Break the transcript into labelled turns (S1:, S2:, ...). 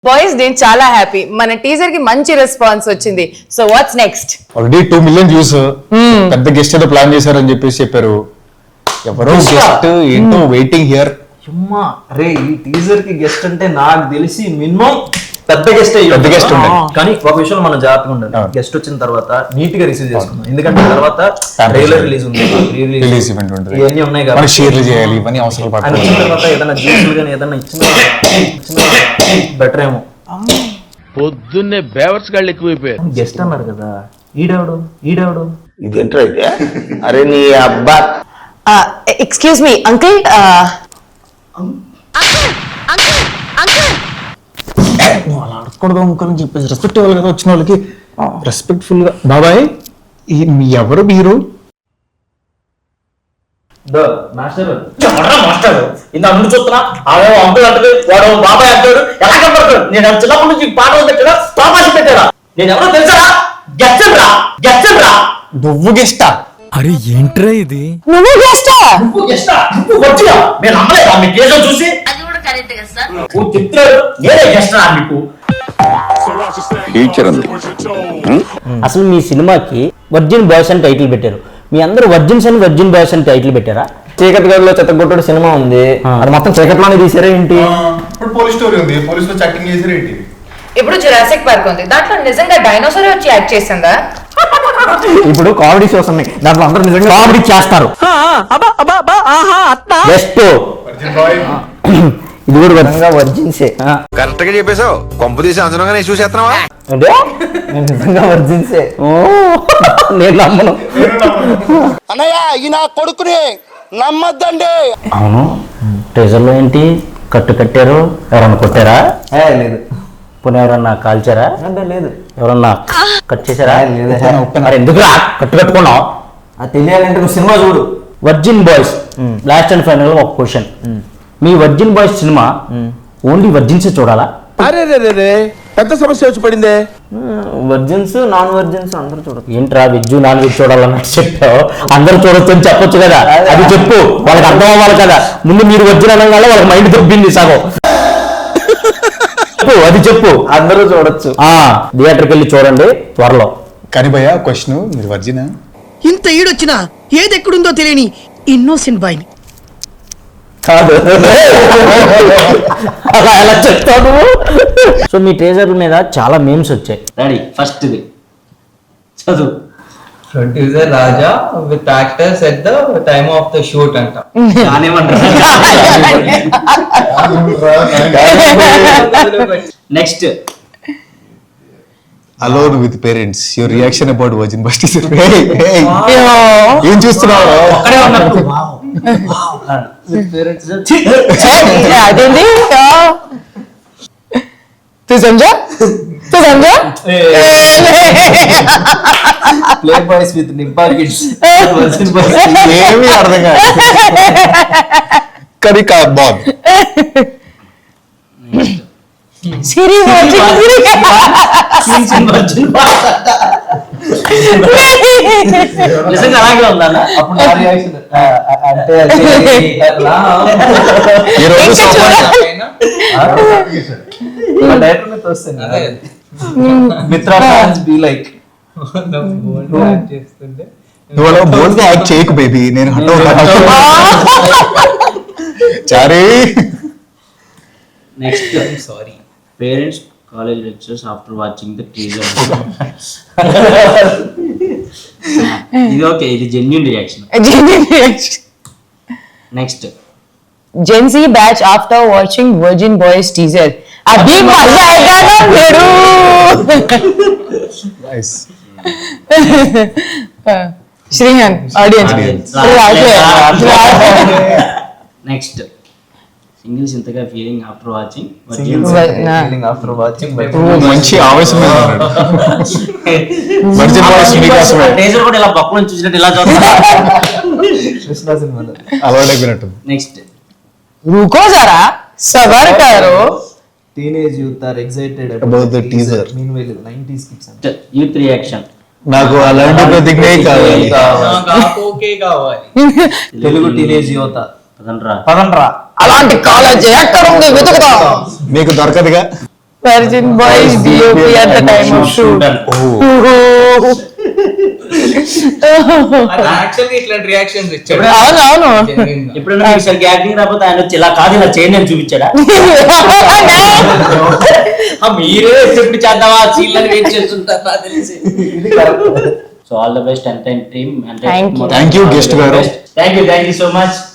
S1: Boys నేను చాలా happy మన టీజర్ కి మంచి రెస్పాన్స్ వచ్చింది. So what's next?
S2: Already 2 million views. పెద్ద గెస్ట్ ఏదో ప్లాన్ చేశారని చెప్పారు. ఎవరో గెస్ట్ ఏంటో వెయిటింగ్ హియర్.
S3: అమ్మా అరే ఈ టీజర్ కి గెస్ట్ అంటే నాకు తెలిసి మినిమం పెద్ద గెస్ట్
S2: ఉండే.
S3: కానీ ఒక విషయంలో మనం జాగ్రత్తగా ఉండాలి. గెస్ట్ వచ్చిన తర్వాత నీట్ గా రిసీవ్ చేసుకుందాం. ఎందుకంటే తర్వాత ట్రైలర్ రిలీజ్ ఉంది,
S2: రిలీజ్ ఈవెంట్ ఉంటుంది,
S3: ఇవన్నీ ఉన్నాయి కదా,
S2: షేర్లు చేయాలి, ఇవన్నీ అవసరాలు
S3: ఆయన వచ్చిన తర్వాత ఏదైనా జ్యూసులు కానీ ఏదైనా ఇచ్చిన బెటర్ ఏమో.
S4: పొద్దున్నే బేవర్స్ గాళ్ళు ఎక్కువైపోయారు.
S3: గెస్ట్ అన్నారు కదా, ఈడాడు
S5: ఇదేంట్రా ఇదే? అరే నీ అబ్బా.
S1: Excuse me uncle.
S2: అలా అడగకూడదు అంకుల్ అని చెప్పేసి రెస్పెక్ట్ ఇవ్వాలి కదా వచ్చిన వాళ్ళకి. రెస్పెక్ట్ఫుల్ గా బాబాయ్ మీ ఎవరు మీరు?
S3: మాస్టర్ ఇంత అన్ను చూస్తున్నా అంకుల్ అంటారు, వాడు బాబాయ్ అంటాడు. ఎలా కనపడతాడు? నేను చిన్నప్పటి నుంచి పాటలు పెట్టాడా, తమాషా పెట్టాడా? నేను ఎవరో తెలుసా? గెస్టరా
S2: నువ్వు గెస్టా?
S6: అరే ఏంట్రా ఇది?
S1: నువ్వు గెస్టా?
S3: నువ్వు గెస్టా? నువ్వు వచ్చినా నేను నమ్మలేదా మీ కేసు చూసి? నువ్వు చెప్తాడు నేనే గెస్టా మీకు?
S5: ఫ్యూచర్ ఉంది.
S7: అసలు మీ సినిమాకి వర్జిన్ బాయ్స్ అని టైటిల్ పెట్టారు. మీ అందరూ వర్జిన్స్ అని వర్జిన్ బాయ్స్ అని టైటిల్ పెట్టారా? చీకటి గదిలో చెత్తగొట్టుడు సినిమా ఉంది, అది మొత్తం చీకట్లోనే తీసారా ఏంటి?
S2: ఇప్పుడు పోలీస్ స్టోరీ ఉంది, పోలీస్ లో చాటింగ్ చేసారు ఏంటి?
S1: ఇప్పుడు జురాసిక్ పార్క్ ఉంది, దాంట్లో నిజంగా డైనోసార్ వచ్చి యాక్ట్ చేసిందా?
S7: ఇప్పుడు కామెడీ షోస్ ఉన్నాయి, దాంట్లో అందరూ నిజంగా కామెడీ చేస్తారు. జస్ట్ ఇది కూడా విధంగా వర్జిన్సే.
S8: కరెక్ట్ గా చెప్పేసావు. కొంపు తీసి అంచనాగా నేను చూసేస్తున్నావా?
S7: అంటే నేను నిజంగా వర్జిన్సే. నేను నమ్మను.
S5: అన్నయ్య ఈ నా కొడుకుని నమ్మద్దండి.
S7: అవును, టీజర్ లో ఏంటి కట్టారు? ఎవరన్నా కొట్టారా?
S3: లేదు.
S7: పోనీ ఎవరన్నా కాల్చారా?
S3: అంటే లేదు.
S7: ఎవరన్నా కట్ చేశారా?
S3: లేదు.
S7: మరి ఎందుకు కట్టుకున్నావు?
S3: అది తెలియాలంటే నువ్వు సినిమా చూడు.
S7: Virgin boys last and final ఒక క్వశ్చన్. మీ virgin boys cinema only virgins చూడాలా?
S8: అరే రే పెద్ద సమస్య వచ్చి పడిందే.
S7: వర్జిన్స్ నాన్ వర్జిన్స్ అందరూ చూడదు. ఏంట్రా వెజ్ నాన్ వెజ్ చూడాలన్నట్టు చెప్పావు. అందరూ చూడొచ్చు అని చెప్పొచ్చు కదా, అది చెప్పు. వాళ్ళకి అర్థం అవ్వాలి కదా. ముందు మీరు వర్జిన్ అనగానే వాళ్ళకి మైండ్ దొబ్బింది సగం. చెప్పు, అది చెప్పు. అందరూ చూడొచ్చు. థియేటర్కి వెళ్ళి చూడండి త్వరలో.
S2: కానీ భయ్యా క్వశ్చన్, మీరు వర్జినా?
S9: ఇంత ఈడొచ్చినా ఏది ఎక్కడుందో తెలియని ఇన్నోసెంట్ బాయ్ని
S7: కాదు, అలా ఎలా చెప్తావు నువ్వు? సో మీ టీజర్ మీద చాలా మీమ్స్ వచ్చాయి. రెడీ, ఫస్ట్ చదువు.
S10: Producer Raja with actors at the time of the shoot అంట.
S7: Next,
S2: alone with parents, your reaction about virgin boys teaser. ఏం చూస్తున్నావు?
S1: అదేంటి సమझा
S3: ప్లే బాయ్స్ విత్ నింపా కిడ్స్.
S2: ఏమీ అర్థం కాదు. కానీ బాగుంది.
S1: సిరి
S7: నిజంగా అలాగే ఉందా?
S3: అప్పుడు నా రియాక్షన్ అంటే
S2: ఈ రోజు
S3: డైరెక్టర్ మీద వస్తుంది. మిత్రా ఫ్యాన్స్ బి లైక్
S10: చేస్తుంటే
S2: నువ్వు అలా బోల్డ్ గా యాక్ట్ చేయకు బేబీ. నేను చారీ.
S7: Next, sorry parents college lectures after watching the teaser. ఇది ఓకే, ఇది genuine reaction. Next,
S1: Gen Z batch after watching Virgin Boys teaser. Abhi maza aega na bheru.
S2: Nice.
S1: Shrihan, audience.
S7: Next, singles ఇంతగా feeling after watching
S3: feeling after watching.
S2: మంచి ఆవేశం మీద ఉన్నాడు. Virgin boys మీకోసమే.
S7: Teaser కూడా ఇలా పక్కన నుంచి చూసినట్టు ఇలా చూస్తా.
S3: కృష్ణ సినిమాలో
S2: అలవాటు అయిపోయినట్టు.
S7: Next,
S1: Ruko zara, sabar karo.
S3: Teenage youth are excited
S2: About the teaser.
S3: Meanwhile 90s kids అంట.
S7: Youth reaction.
S2: నాకు అలాంటి ప్రతిజ్ఞ కావాలి.
S10: ఓకే కావాలి.
S3: తెలుగు టీనేజ్ యువత
S7: పదండ్రా.
S3: పదండ్రా.
S1: అలాంటి కాలేజ్ ఎక్కడ ఉంది వెతుకుదాం.
S2: మీకు దొరకదుగా.
S1: Virgin Boys DOP at the time of shoot.
S10: Actually ఇట్లాంటి రియాక్షన్స్ ఇచ్చాడు.
S1: అవును
S3: ఇప్పుడు ఈసారి యాక్టింగ్ రాకపోతే ఆయన వచ్చి ఇలా కాదు ఇలా చేయండి అని చూపించాడా? మీరే ఎప్పుడు చేద్దామా సీన్ అని వెయిట్ చేస్తుంటారు నాకు తెలిసి. So all the best entire team.
S1: Thank you.
S2: Thank you, guest గారు.
S3: Thank you so much.